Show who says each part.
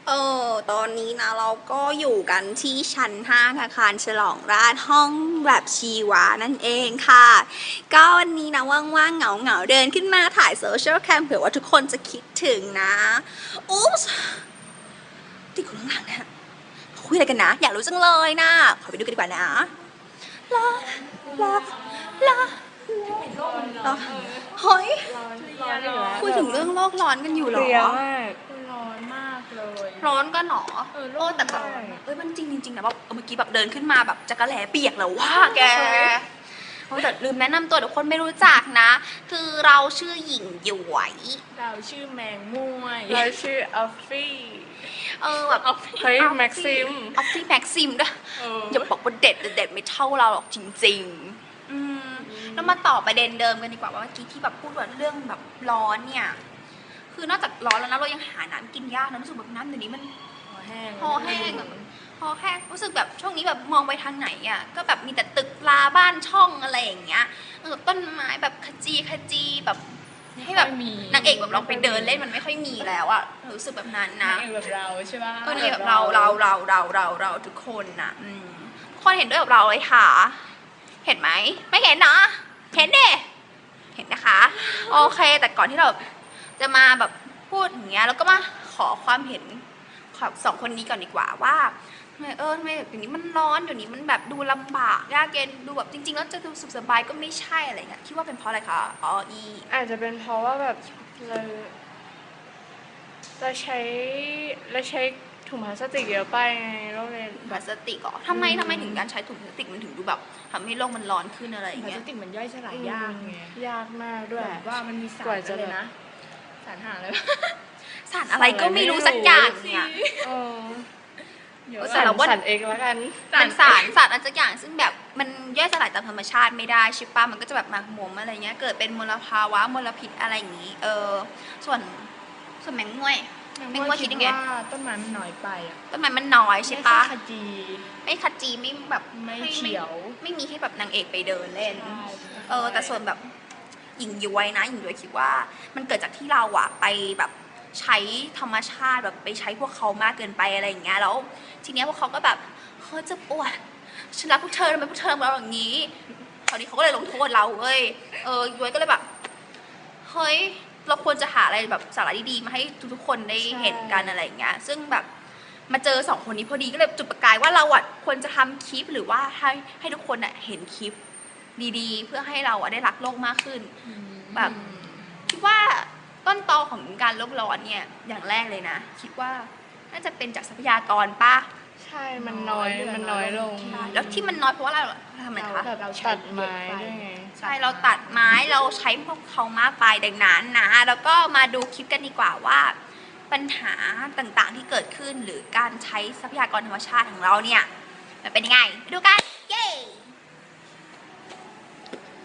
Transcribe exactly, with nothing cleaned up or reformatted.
Speaker 1: เออตอนนี้นะเราก็อยู่กันที่ชั้นห้าอาคารฉลองราษฎร์ห้องแบบชีวานั่นเองค่ะ ก็วันนี้นะว่างๆเหงาๆเดินขึ้นมาถ่ายโซเชียลแคมเผื่อว่าทุกคนจะคิดถึงนะอุ๊บที่คนข้างหลังเนี่ยคุยอะไรกันนะ อยากรู้จังเลยนะ ขอไปดูกันดีกว่านะลาลาลาลาเฮ้ยคุยถึงเรื่องโลกร้อนกันอยู่เหรอ
Speaker 2: เรียมาก
Speaker 3: ร้อนมากเลย
Speaker 1: ร้อนกันหรอ
Speaker 3: เออ
Speaker 1: โอ้แต่แบบ
Speaker 3: ใช่
Speaker 1: เอ้ยมันจริงจริงๆนะแบบเมื่อกี้แบบเดินขึ้นมาแบบจักระแหลเปียกแล้วว่าแกโอ้แต่ลืมแนะนำตัวเดี๋ยวคนไม่รู้จักนะ คือเราชื่อหญิงหยวย
Speaker 3: เราชื่อแมงม่วย
Speaker 2: เราชื่อออฟฟี่
Speaker 1: เออแบบ
Speaker 2: เฮ้ยแม็กซิม
Speaker 1: ออฟฟี่แม็กซิมด้วยอย่าบอกว่าเด็ดแต่เด็ดไม่เท่าเราหรอกจริงๆอืมแล้วมาต่อประเด็นเดิมกันดีกว่าว่าเมื่อกี้ที่แบบพูดว่าเรื่องแบบร้อนเนี่ยคือนอกจากร้อนแล้วนะเรายังหาน้ำกินยากนะรู้สึกแบบน้ำเดี๋ยวนี้มัน
Speaker 3: คอแห้ง
Speaker 1: คอแห้งอะคอแห้งรู้สึกแบบช่วงนี้แบบมองไปทางไหนอ่ะก็แบบมีแต่ตึกราบ้านช่องอะไรอย่างเงี้ยเออต้นไม้แบบขจีขจีแบบให้แบบนางเอกแบบเราไปเดินเล่นมันไม่ค่อยมีแล้วอ่ะรู้สึกแบบนั้น
Speaker 3: นา
Speaker 1: นะ
Speaker 3: งเอกแบบเราใช่ป่ะ
Speaker 1: เออนางเอกแบบเราเราเราเราเราเราทุกคนน่ะอืมทุกคนเห็นด้วยกับเราเลยค่ะเห็นไหมไม่เห็นเนาะเห็นเด้เห็นนะคะโอเคแต่ก่อนที่เราจะมาแบบพูดอย่างเงี้ยแล้วก็มาขอความเห็นของสองคนนี้ก่อนดีกว่าว่าทำไมเออทำไมแบบเดี๋ยวนี้มันร้อนเดี๋ยวนี้มันแบบดูลำบากยากเย็นดูแบบจริงๆแล้วจะดูสุขสบายก็ไม่ใช่อะไรเงี้ยคิดว่าเป็นเพราะอะไรคะอ๋ออี
Speaker 2: อาจจะเป็นเพราะว่าแบบเราเราใช้เราใช้ถุงพลาสติกเยอะไปไงโรงเรียน
Speaker 1: พลาสติกเหรอทำไมทำไมถึงการใช้ถุงพลาสติกมันถึงดูแบบทำให้โลกมันร้อนขึ้นอะไรอย่าง
Speaker 3: พลา
Speaker 1: เงี้
Speaker 3: ส
Speaker 1: ย
Speaker 3: ติกมันย่อยสลายยากไง
Speaker 2: ยากมากด้วย
Speaker 3: แบบว่ามันมีสาร
Speaker 2: กว่าจะ
Speaker 3: อะไรนะสารหาเลย
Speaker 1: สารอะไรก็ไม่รู้สักอย่างเนี่ย
Speaker 2: เออ
Speaker 3: เดี๋ยว
Speaker 1: แต่
Speaker 2: สาร
Speaker 1: เราว่า
Speaker 2: สารเอกแล้วกัน
Speaker 1: เป็นสารสารอะไรสักอย่างซึ่งแบบมันย่อยสลายตามธรรมชาติไม่ได้ใช่ปะมันก็จะแบบหมักหมมอะไรเงี้ยเกิดเป็นมลภาวะมลพิษอะไรอย่างงี้เออส่วนส่วนแมงม่วยแมงม่วยคิดยังไง
Speaker 3: ว่าต้นไม้มันน้อยไปอ่ะ
Speaker 1: ต้นไม้มันน้อยใช่ปะ
Speaker 3: ขจี
Speaker 1: ไม่ขจีไม่แบบ
Speaker 3: ไม่
Speaker 1: ให้
Speaker 3: เขียว
Speaker 1: ไม่มีให้แบบนางเอกไปเดินเล่น
Speaker 3: ใช่
Speaker 1: เออแต่ส่วนแบบหญิงย้วยนะหญิงย้วยคิดว่ามันเกิดจากที่เราอะไปแบบใช้ธรรมชาติแบบไปใช้พวกเขามากเกินไปอะไรอย่างเงี้ยแล้วทีเนี้ยพวกเขาก็แบบเฮ้ยจะปวดฉันรักพวกเธอทำไมพวกเธอทำเราอย่างนี้คราวนี้เขาก็เลยลงโทษเราเว้ยเออย้วยก็เลยแบบเฮ้ยเราควรจะหาอะไรแบบสาระดีๆมาให้ทุกๆคนได้เห็นกันอะไรอย่างเงี้ยซึ่งแบบมาเจอสองคนนี้พอดีก็เลยจุดประกายว่าเราอะควรจะทำคลิปหรือว่าให้ให้ทุกคนอะเห็นคลิปดีๆเพื่อให้เราอะได้รักโลกมากขึ้นแบบคิดว่าต้นตอของการโลกร้อนเนี่ยอย่างแรกเลยนะคิดว่าน่าจะเป็นจากทรัพยากรป่ะ
Speaker 2: ใช่ มันน้อยมันน้อยลง
Speaker 1: แล้วที่มันน้อยเพราะว่าอะไรทำไมคะ
Speaker 2: แบบตัดไม้ด้วยไง
Speaker 1: ใช่เราตัดไม้เราใช้พวกเขามากไปดังนั้นนะแล้วก็มาดูคลิปกันดีกว่าว่า ปัญหาต่างๆที่เกิดขึ้นหรือการใช้ทรัพยากรธรรมชาติของเราเนี่ยมันเป็นยังไงไปดูกัน